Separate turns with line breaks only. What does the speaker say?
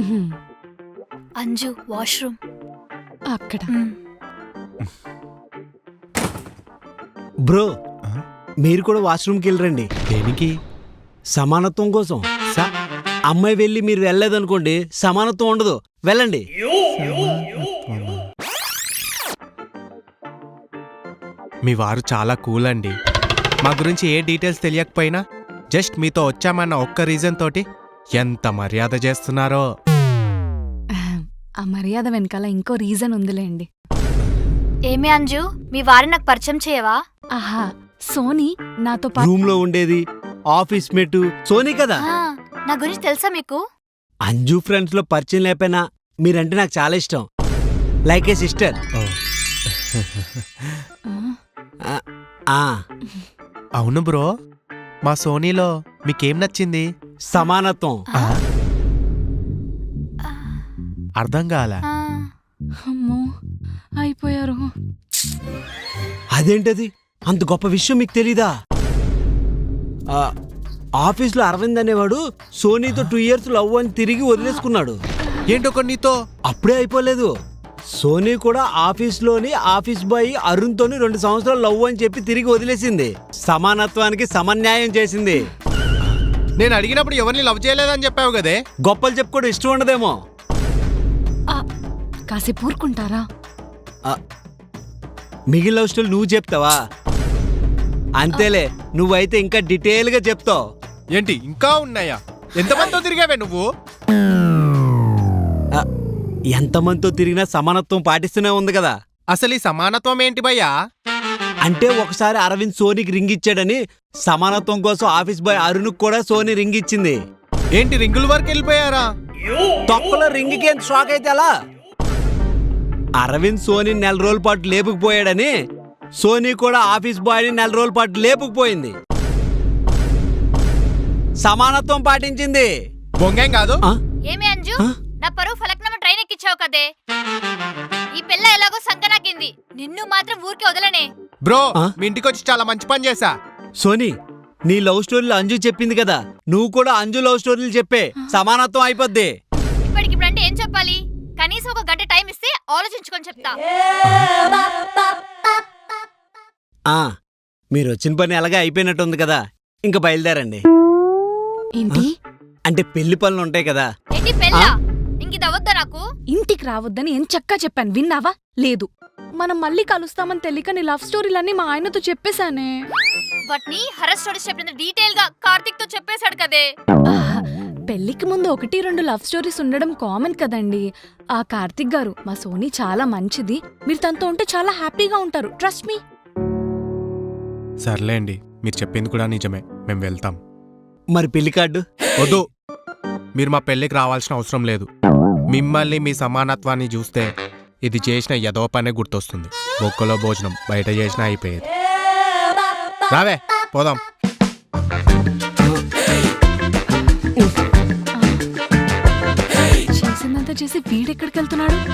Anju washroom
అక్కడ.
Bro మీరు కూడా వాష్రూమ్కి వెళ్ళరండి.
దేనికి?
సమానత్వం కోసం. అమ్మాయి వెళ్ళి మీరు వెళ్ళలేదనుకోండి, సమానత్వం ఉండదు. వెళ్ళండి.
మీ వారు చాలా కూల్ అండి. మా గురించి ఏ డీటెయిల్స్ తెలియకపోయినా జస్ట్ మీతో వచ్చామన్న ఒక్క రీజన్ తోటి ఎంత మర్యాద చేస్తున్నారో.
ఆ మర్యాద వెనకాల ఇంకో రీజన్ ఉందిలేండి.
ఏమే అంజు, మీ వారిని నాకు పరిచయం చేయవా?
ఆహా, సోనీ నాతో పాటు
రూమ్ లో ఉండేది ఆఫీస్ మేట్ సోనీ కదా.
నా గురించి తెలుసా మీకు?
అంజు ఫ్రెండ్స్ లో పరిచయం లేకపోయినా మీరంటే నాకు చాలా ఇష్టం. Like a sister.
అవును బ్రో, మా సోనీలో మీకేం నచ్చింది?
సమానత్వం.
అర్థం కాల.
అమ్మో అయిపోయారు.
అదేంటది? అంత గొప్ప విషయం మీకు తెలీదా? ఆఫీస్లో అరవింద్ అనేవాడు సోనీతో 2 years లవ్ అని తిరిగి వదిలేసుకున్నాడు.
ఏంటో నీతో
అప్పుడే అయిపోలేదు. సోనీ కూడా ఆఫీస్లోని ఆఫీస్ బాయ్ అరుణ్ తోని 2 సంవత్సరాలు లవ్ అని చెప్పి తిరిగి వదిలేసింది. సమానత్వానికి సమన్యాయం చేసింది.
నేను అడిగినప్పుడు ఎవరిని లవ్ చేయలేదని చెప్పావు కదే.
గొప్పలు చెప్పుకోవడం ఇష్టం ఉండదేమో.
కాసేపు ఊరుకుంటారా?
మిగిలిన లవ్ స్టోరీ నువ్వు చెప్తావా? అంతేలే, నువ్వైతే ఇంకా డీటెయిల్ గా చెప్తావు.
ఏంటి ఇంకా ఉన్నాయా? ఎంతమందితో తిరిగావే నువ్వు?
ఎంతమందితో తిరిగినా సమానత్వం పాటిస్తూనే ఉంది కదా.
అసలు ఈ సమానత్వం ఏంటి భయ్యా?
అంటే ఒకసారి అరవింద్ సోనీకి రింగ్ ఇచ్చాడని సమానత్వం కోసం ఆఫీస్ బాయ్ అరుణ్ కూడా సోనీ రింగ్ ఇచ్చింది.
ఏంటి రింగుల వరకు వెళ్ళిపోయారా?
తొక్కలో రింగ్కి ఎంత షాక్ అయితే అలా. అరవింద్ సోనీ 4 రోజుల పాటు లేపుకుపోయాడని సోనీ కూడా ఆఫీస్ బాయ్ని 4 రోజుల పాటు లేపుకుపోయింది. సమానత్వం పాటించింది.
బొంగేం కాదు.
ఏమే అంజు, నా పరువు ఫలక్నామా ట్రైన్ ఎక్కించావు కదే. ఈ పిల్ల ఎలాగో సంకనాకింది, నిన్ను మాత్రం ఊరికే వదలనే.
బ్రో, మీ ఇంటికి వచ్చి చాలా మంచి పని చేశా.
సోనీ, నీ లవ్ స్టోరీలు అంజు చెప్పింది కదా, నువ్వు కూడా అంజు లవ్ స్టోరీలు చెప్పే. సమానత్వం అయిపోద్ది.
ఇప్పటికిప్పుడంటే ఏం చెప్పాలి? కనీసం 1 గంట టైం ఇస్తే ఆలోచించుకొని చెప్తా.
మీరు వచ్చిన పని అలాగే అయిపోయినట్టుంది కదా, ఇంకా బయలుదేరండి.
ఏంటి?
అంటే పెళ్లి పనులు ఉంటాయి కదా.
ఏంటి పెళ్ళా? ఇంకిదవద్దా నాకు?
ఇంటికి రావద్దని ఎంచక్కా చెప్పాను, విన్నావా? లేదు. మనం మళ్ళీ కలుస్తామని తెలియక నీ లవ్ స్టోరీలన్నీ మా ఆయనతో చెప్పేశానే.
వాటిని హరస్ స్టోరీస్ చెప్పినంత డీటెయిల్ గా కార్తిక్ తో చెప్పేశాడు కదే.
పెళ్లికి ముందు 1-2 లవ్ స్టోరీస్ ఉండడం కామన్ కదండి. ఆ కార్తిక్ గారు మా సోనీ చాలా మంచిది, మీరు తనతో ఉంటే చాలా హ్యాపీగా ఉంటారు, ట్రస్ట్ మీ.
సర్లేండి, మీరు చెప్పింది కూడా నిజమే. మేము వెళ్తాం.
మరి పెళ్లి కార్డు
వద్దు. మీరు మా పెళ్లికి రావాల్సిన అవసరం లేదు. మిమ్మల్ని మీ సమానత్వాన్ని చూస్తే ఇది చేసిన ఎదో పనే గుర్తొస్తుంది. బొక్కలో భోజనం బయట చేసినా అయిపోయేది. రావే పోదాం.
చేసిందంతా చేసి వీడెక్కడికి వెళ్తున్నాడు?